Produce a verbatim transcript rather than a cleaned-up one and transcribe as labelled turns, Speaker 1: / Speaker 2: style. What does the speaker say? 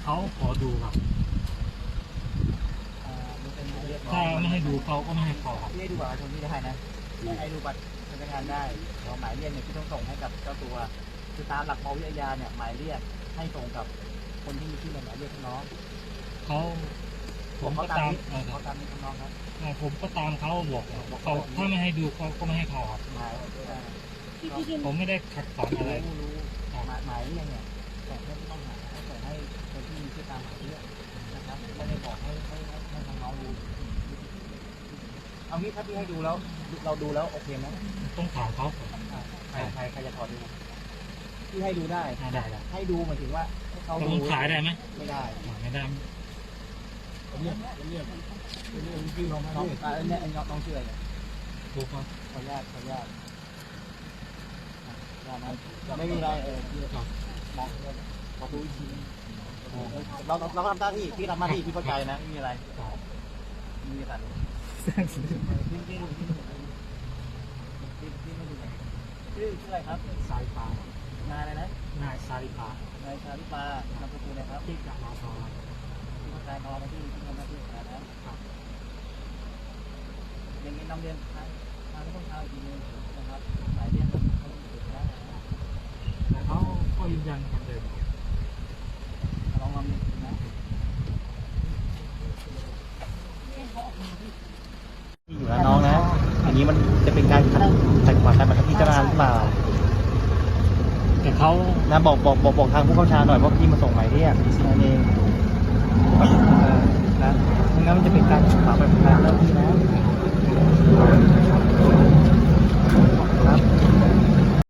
Speaker 1: เขาขอดูครับถ้าไม่ให้ดูเขาก็ไม่ให้ขอครับ
Speaker 2: ที่ให้ดูบัตรประชาชนที่ได้นะให้ดูบัตรพนักงานได้หมายเรียกเนี่ยที่ต้องส่งให้กับเจ้าตัวคือตามหลักปวิทยาเนี่ยหมายเรียกให้ส่งกับคนที่มีชื่อในหมายเรียกน้อง
Speaker 1: เขาผมก็ตาม
Speaker 2: เขาตามนี้น้องครับ
Speaker 1: ผมก็ตามเขาบอกเขาถ้าไม่ให้ดูเขาก็ไม่ให้เขาครับ
Speaker 2: หมาย
Speaker 1: ผมไม่ได้ขัดขวางอะไร
Speaker 2: รู้รู้หมายหมายเรียกเนี่ยส่งให้ผู้ต้องหาส่งให้คนที่มีชื่อตามหมายเรียกนะครับไม่ได้บอกให้ให้ให้ทางน้องดูเอางี้ถ้าพี่ให้ดูแล้วเราดูแล้วโอเคไหม
Speaker 1: ต้องถามเขา
Speaker 2: ใครใครใครจะถอดดูพี่ให้ดูได้
Speaker 1: ได้ได้
Speaker 2: ให้ดูหมายถึงว่าเขา
Speaker 1: ผมขายได้ไหม
Speaker 2: ไม่ได้
Speaker 1: ไม่ได้
Speaker 2: เรียกเรียกเรียกพี่น้องน้องอ่าเนี่ยน้องน้องชื่ออะไร
Speaker 1: ถูกครับ
Speaker 2: ขออนุญาตขออนุญาตไม่มีอะไรเออพี่ครับมองขอดูอีกทีเราเราทำหน้าที่พี่ทำหน้าที่พี่เข้าใจนะไม่มีอะไรไม่มีอะไรพี่พี่พี่พี่พี่ไม่ดูชื่อชื่ออะไรครับ
Speaker 1: สายฟ้าน
Speaker 2: ายอะไรนะ
Speaker 1: นายสายฟ้าน
Speaker 2: ายชาลิปานามสกุลนะครับ
Speaker 1: ที่จากมอทอ
Speaker 2: ที่ทำการนอนที่ที่ทำหน้าที่นะครับอย่างนี้นำเรียนทางทางไม่ต้องเช้าอีกทีนึงนะครับหมายเรียนเขาต้องติดนะ
Speaker 1: แต่เขาก็ยืนยันคำเดิม
Speaker 2: ลองลองดูนะที่อยู่แล้วน้องนะอันนี้มันจะเป็นการขัดขัดขวางการบังคับพิจารณาหรือเปล่า
Speaker 1: แต่เขา
Speaker 2: นะบอกบอกบอกบอกทางผู้เข้าชาหน่อยว่าพี่มาส่งหมายเรียกนั่นเองนะไม่งั้นมันจะเป็นการขวางแบบนั้นแล้วพี่นะครับ